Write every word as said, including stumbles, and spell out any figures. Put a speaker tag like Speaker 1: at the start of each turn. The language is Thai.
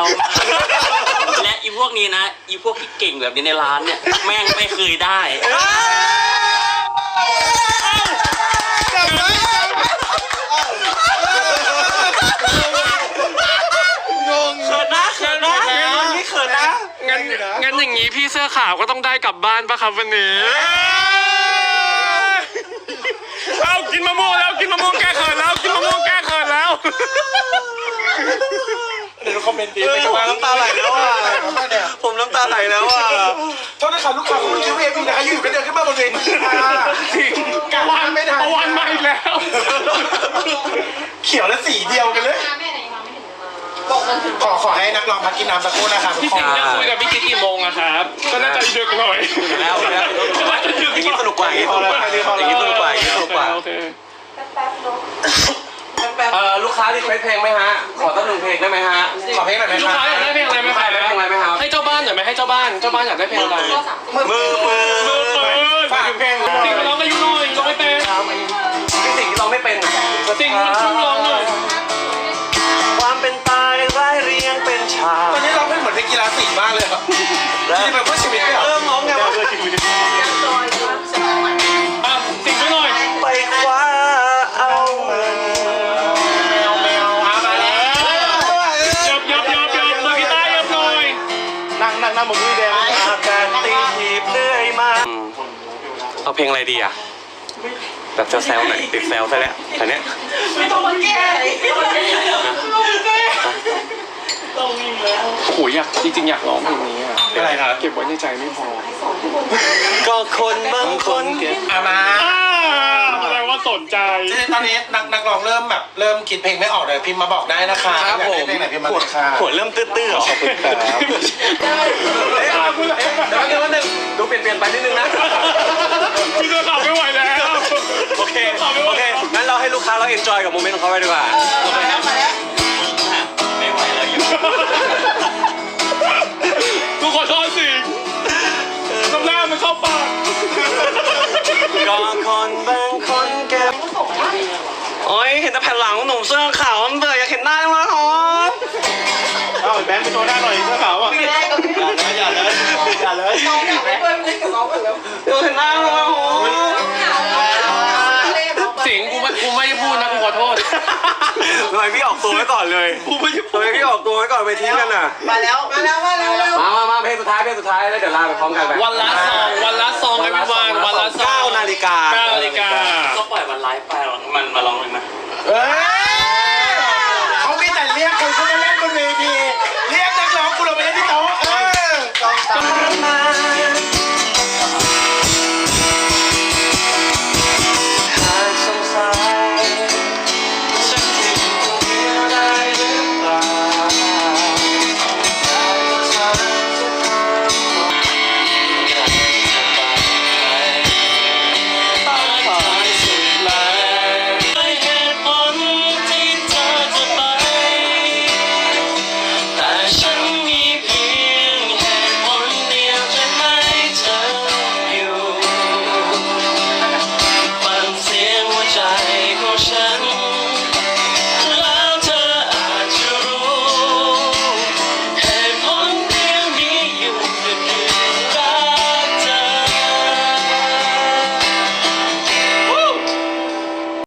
Speaker 1: เราและอีพวกนี้นะอีพวกที่เก่งแบบนี้ในร้านเนี่ยแม่งไม่เคยได้
Speaker 2: งงเขินนะเขินนะนี่เขินนะงั้นงั้นอย่างนี้พี่เสื้อขาวก็ต้องได้กลับบ้านปะครับวันนี้เอากินมะม่วงแล้วกินมะม่วงแก้เขินแล้วกินมะม่วงแก้เขินแล้วเดี๋ยวคอมเมนต์ดีไปกันมาน้ำตาไหลแล้วอ่ะผมน้ำตาไหลแล้วอ่ะ
Speaker 3: โทษนะครับลูกค้าคุณคิวเอฟีนะคะอยู่กันเดินขึ้นมาบนเวทีค่ะกะวันไม่ทัน
Speaker 2: วันมาอีกแล้ว
Speaker 3: เขียวและสีเดียวกันเลยขอขอให้นักร้องพักกินน้ำสักครู่นะครับ
Speaker 2: พี่สิงห์จะคุยกับพี่กิ๊กกี่โมงอะครับก็น่าจะดึกหน่อย
Speaker 1: แล้วแล้วอย่างนี้สนุกกว่าอย่างนี้อย่างนี้สนุกกว่าอย่างนี้สนุกกว่าเออลูกค้าที่เพลงไหมฮะขอตั้งหนึ่งเพลงได้ไหมฮะ
Speaker 3: ขอเพลงหน่อยไหม
Speaker 2: ลูกค้าอยากได้เพลงอะไรไหมครับ
Speaker 1: เพลงอะไรไหมครับ
Speaker 2: ให้เจ้าบ้านหน่อยไหมให้เจ้าบ้านเจ้าบ้านอยากได้เพลงอะไร
Speaker 1: มือมือมือ
Speaker 2: มือฝากเพลงสิ่งร้องอายุน้อยร้องไม่เป็น
Speaker 1: เป็นสิ่งที่เราไม่เป็น
Speaker 2: สิ่งมันชุ่มร้องเลย
Speaker 1: ความเป็นตายร้ายเรียงเป็นฉาก
Speaker 3: ตอนนี้เราเป็นเหมือนเป็นกีฬาสีมากเลยครับที่เป็นเพื่อชีวิต
Speaker 1: เริ่มมองไงว่า
Speaker 2: สิ่งไปหน่อย
Speaker 1: ไปคว้าเอาเงิน
Speaker 3: แมวแมวมาแล้ว
Speaker 2: ยับยับยับยับมือกีตาร์ยับหน่อย
Speaker 3: นั่งนั่งนั่งบนมือแดง
Speaker 1: อาการตีหีบเรื่อยมาเอาเพลงอะไรดีอ่ะแบบแซวๆหน่อยติดแซวซะแล้วแต่เนี้ย
Speaker 4: ไม่ต้องมาแก้ไม่ต้องมาแก้ต้องวิ่งแล้ว
Speaker 2: โอ้ยอยากจริงๆอยากร้องเพลงนี้อ่ะ
Speaker 3: อะไรครับ
Speaker 2: เก็บไว้ในใจไม่พอ
Speaker 1: ก็คนบางคนเก็บ
Speaker 3: อามา
Speaker 2: แสดงว่าสนใจ
Speaker 3: ตอนนี้นักนักร้องเริ่มแบบเริ่มคิดเพลงไม่ออกเลยพิมพ์มาบอกได้นะคะ
Speaker 1: ครับผม
Speaker 3: เพลงไหนพิมพ์มาเลยค่ะ
Speaker 1: หัวเริ่มตื้อๆหรอขอบคุณครับเดี๋ยวเดี๋ยวนึงดูเปลี่ยนเปลี่ยนไปนิดนึงนะ
Speaker 2: พี่ก็ขับไม่ไหวแล้ว
Speaker 1: โอเคโอเคงั้นเราให้ลูกค้าเราเอนจอยกับโมเมนต์ของเขาไปดีกว่าไม่ไหวแล้วอยู่
Speaker 2: กูขอโทษสิน้ำหน้ามันเข้าปาก
Speaker 1: ก็คนบางคนเก็บโอ้ยเห็นแต่แผ่นหลังหนุ่มเสื้อขาวมันเบื่ออยากเห็นหน้าจังเลยอ๋อ
Speaker 3: เอาแบงค์ไปโชว์หน้าหน่อยเสื้อขาวอ่ะอย่าเลยอย่าเลย
Speaker 4: น้องอยากไปเพิ่มเล่นกับน้องกันแล้ว
Speaker 1: อยากเห็นหน้าจังเลยอ๋อ
Speaker 2: สิงกูไม่กูไม่พูดนะกูขอโทษ
Speaker 1: ทำไมพี่ออกตัวไว้ก่อนเลย
Speaker 2: กูไม่
Speaker 1: ทำไมพี่ออกตัวไว้ก่อนไปทิ้งกันน่ะ
Speaker 4: มาแล้วมาแล้วมาแล้ว
Speaker 1: มามามาเพลงสุดท้ายเพลงสุดท้ายแล้วเดี๋ยวลาไปพร้อมกันไป
Speaker 2: วันละซองวันละซองไอ้พี่วานวันละซอง
Speaker 1: เก้านาฬิกา
Speaker 2: เก้านาฬิกา
Speaker 1: ก็ปล่อยวันไลฟ์ไปมันมาลองเลยนะ